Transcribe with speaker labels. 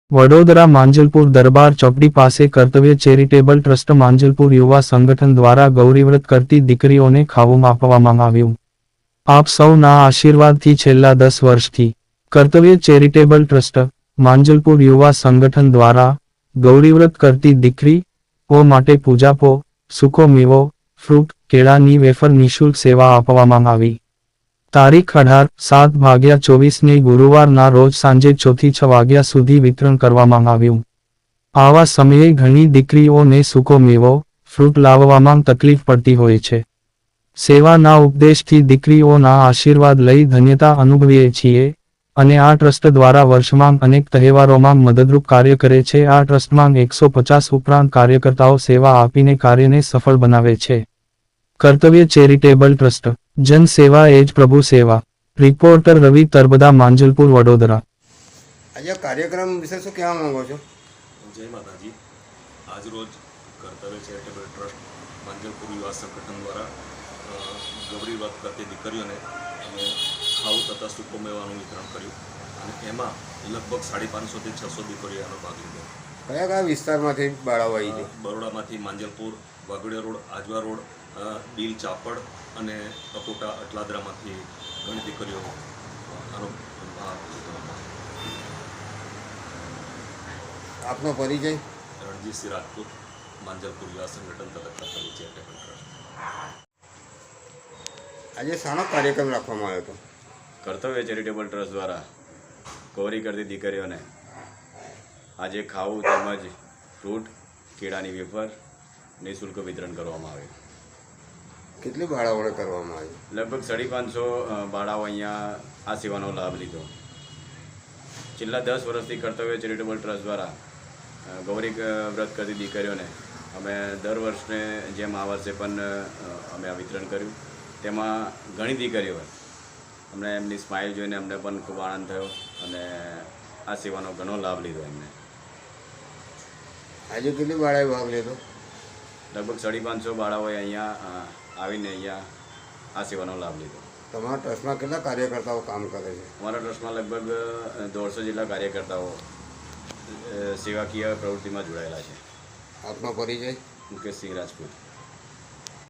Speaker 1: વડોદરા માંજલપુર દરબાર ચોકડી પાસે કર્તવ્ય ચેરિટેબલ ટ્રસ્ટ માંજલપુર યુવા સંગઠન દ્વારા ગૌરીવ્રત કરતી દીકરીઓને ખાવું આપવામાં આવ્યું. આપ સૌના આશીર્વાદથી છેલ્લા 10 વર્ષથી કર્તવ્ય ચેરિટેબલ ટ્રસ્ટ માંજલપુર યુવા સંગઠન દ્વારા ગૌરીવ્રત કરતી દીકરીઓ માટે પૂજાપો, સૂકો મેવો, ફ્રૂટ, કેળાની વેફર નિઃશુલ્ક સેવા આપવામાં આવી. તારીખ 18/7/24 ગુરુવારના રોજ સાંજે 4 થી 6 વાગ્યા સુધી વિતરણ કરવામાં આવ્યું. આવા સમયે ઘણી દીકરીઓને સૂકો મેવો, ફ્રૂટ લાવવામાં તકલીફ પડતી હોય છે. સેવાના ઉપદેશથી દીકરીઓના આશીર્વાદ લઈ ધન્યતા અનુભવીએ છીએ અને આ ટ્રસ્ટ દ્વારા વર્ષમાં અનેક તહેવારોમાં મદદરૂપ કાર્ય કરે છે. આ ટ્રસ્ટમાં 150 ઉપરાંત કાર્યકર્તાઓ સેવા આપીને કાર્યને સફળ બનાવે છે. કર્તવ્ય ચેરિટેબલ ટ્રસ્ટ, જન સેવા એ જ પ્રભુ સેવા. રિપોર્ટર રવિ તરબદા, માંજલપુર, વડોદરા.
Speaker 2: આજે કાર્યક્રમ વિશે શું કહેવા માંગો છો?
Speaker 3: જય માતાજી. આજ રોજ કર્તવ્ય ચેરિટેબલ ટ્રસ્ટ માંજલપુર યુવા સંગઠન દ્વારા ગૌરી વ્રત કરતી દીકરીઓને અમે ખાવું તથા સૂકો મેવાનું વિતરણ કર્યું અને એમાં લગભગ 550 થી 600 દીકરીઓ એનો ભાગ લીધો.
Speaker 2: કયા કયા વિસ્તારમાંથી બાળાઓ આવી છે?
Speaker 3: બરોડામાંથી માંજલપુર, વાઘોડિયા રોડ, આજવા રોડ, બીલ, ચાપડ અને અકોટા અટલાદરામાંથી ઘણી દીકરીઓ આનો ભાગ લીધો.
Speaker 2: આપનો પરિચય?
Speaker 3: રણજીતસિંહ રાજપૂત, માંજલપુર યુવા સંગઠન તથા કર્તવ્ય ચેરિટેબલ ટ્રસ્ટ.
Speaker 2: આજે શાનો કાર્યક્રમ રાખવામાં આવ્યો હતો?
Speaker 4: કર્તવ્ય ચેરિટેબલ ટ્રસ્ટ દ્વારા ગૌરી કરતી દીકરીઓને આજે ખાવું તેમજ ફ્રૂટ, કેળાની વેફર નિઃશુલ્ક વિતરણ કરવામાં આવ્યું.
Speaker 2: કેટલી બાળાઓને કરવામાં આવી?
Speaker 4: લગભગ 550 બાળાઓ અહીંયા આ સેવાનો લાભ લીધો. છેલ્લા 10 વર્ષથી કર્તવ્ય ચેરિટેબલ ટ્રસ્ટ દ્વારા ગૌરી વ્રત કરતી દીકરીઓને અમે દર વર્ષને જેમ આ વર્ષે પણ અમે આ વિતરણ કર્યું. તેમાં ઘણી દીકરીઓ અમને એમની સ્માઇલ જોઈને અમને પણ ખૂબ આનંદ થયો અને આ સેવાનો ઘણો લાભ લીધો એમને.
Speaker 2: આજે કેટલી બાળાએ ભાગ લીધો?
Speaker 4: લગભગ 550 બાળાઓએ અહીંયા આવીને અહીંયા આ સેવાનો લાભ લીધો.
Speaker 2: તમારા ટ્રસ્ટમાં કેટલા કાર્યકર્તાઓ કામ કરે છે?
Speaker 4: અમારા ટ્રસ્ટમાં લગભગ 150 જેટલા કાર્યકર્તાઓ સેવાકીય પ્રવૃત્તિમાં જોડાયેલા છે.
Speaker 2: આપનો પરિચય?
Speaker 4: મુકેશસિંહ રાજપૂત.